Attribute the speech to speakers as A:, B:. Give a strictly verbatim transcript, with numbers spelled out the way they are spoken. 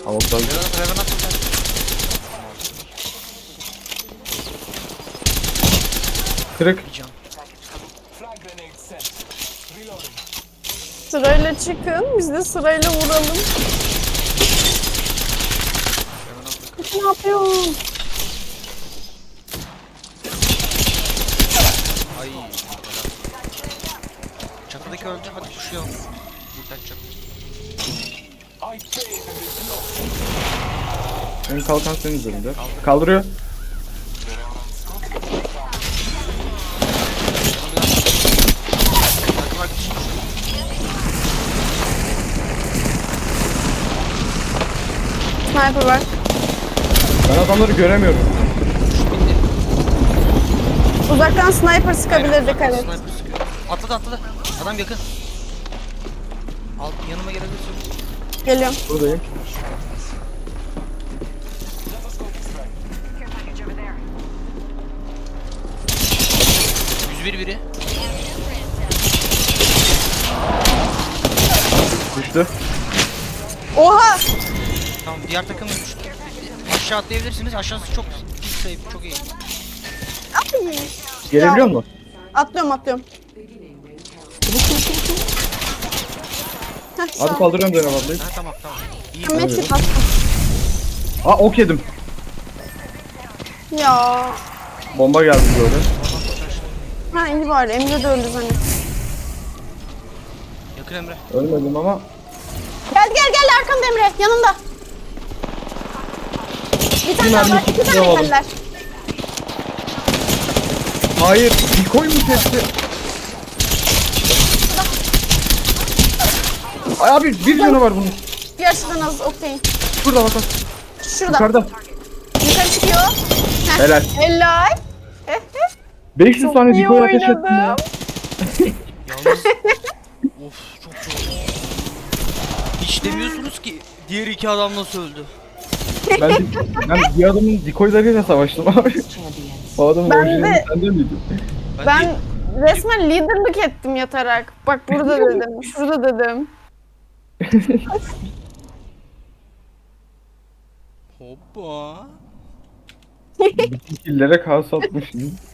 A: Avuklar.
B: Revenant Revenant tutar.
A: Kırık.
B: Bir can.
C: Sırayla çıkın. Biz de sırayla vuralım.
B: Revenant tutar.
C: Ne yapıyorsun?
B: Ay. helal. Çatıdaki öldü. Hadi kuşlayalım. Yeter çatı.
A: Benim kalkan senin üzerinde. Kaldırıyor.
B: Takım arkadaşım düştü.
C: Sniper var.
A: Ben adamları göremiyorum.
B: Bindi.
C: Uzaktan sniper sıkabilirdik
B: Aynen,
C: evet.
B: sniper sıkıyor. Atladı atladı. Adam yakın. Al yanıma gelebilirsin.
C: Geliyorum.
A: Buradayım.
B: yüz bir biri.
A: Düştü.
C: Oha!
B: Tamam diğer takım da düştü. Aşağı atlayabilirsiniz. Aşağısı çok pis sayı. Çok iyi.
C: Ay!
A: Gelebiliyor
C: Ya.
A: mu?
C: Atlıyorum atlıyorum. Heh, sağ
A: Hadi
C: ol.
A: kaldırıyorum Zeynep ablayı.
B: Ha tamam tamam. İyi.
C: Ben medkit bastım.
A: Aa ok yedim.
C: Ya.
A: Bomba geldi böyle.
C: Ha iyi bari. Emre de öldü zannettim.
B: Yakın Emre.
A: Ölmedim ama.
C: Gel gel gel arkamda Emre. Yanımda. Bir tane
A: mermi
C: daha var. İki
A: tuttu,
C: tane
A: alalım.
C: geller.
A: Hayır. Dikoy mu testi? Ay abi bir canı var bunun.
C: Bir açıdan az okey.
A: Şurada bak bak.
C: Şurada.
A: Yukarıda.
C: Yukarı çıkıyor. Heh.
A: Helal.
C: Helal. Eh, eh.
A: beş yüz
C: Çok
A: tane
C: iyi
A: dikoy ateş ettim ya.
C: oynadım.
B: Yalnız. Of çok çok. Hiç demiyorsunuz ki diğer iki adam nasıl öldü?
A: Ben, ben bir adamın dikoylarıyla savaştım abi. O adamın
C: Ben
A: orijinali
C: de-
A: sende miydi?
C: Ben
B: de-
C: resmen liderlik ettim yatarak. Bak burada dedim. Şurada dedim.
B: Hoppa.
A: Bütün killere kaos atmışsın.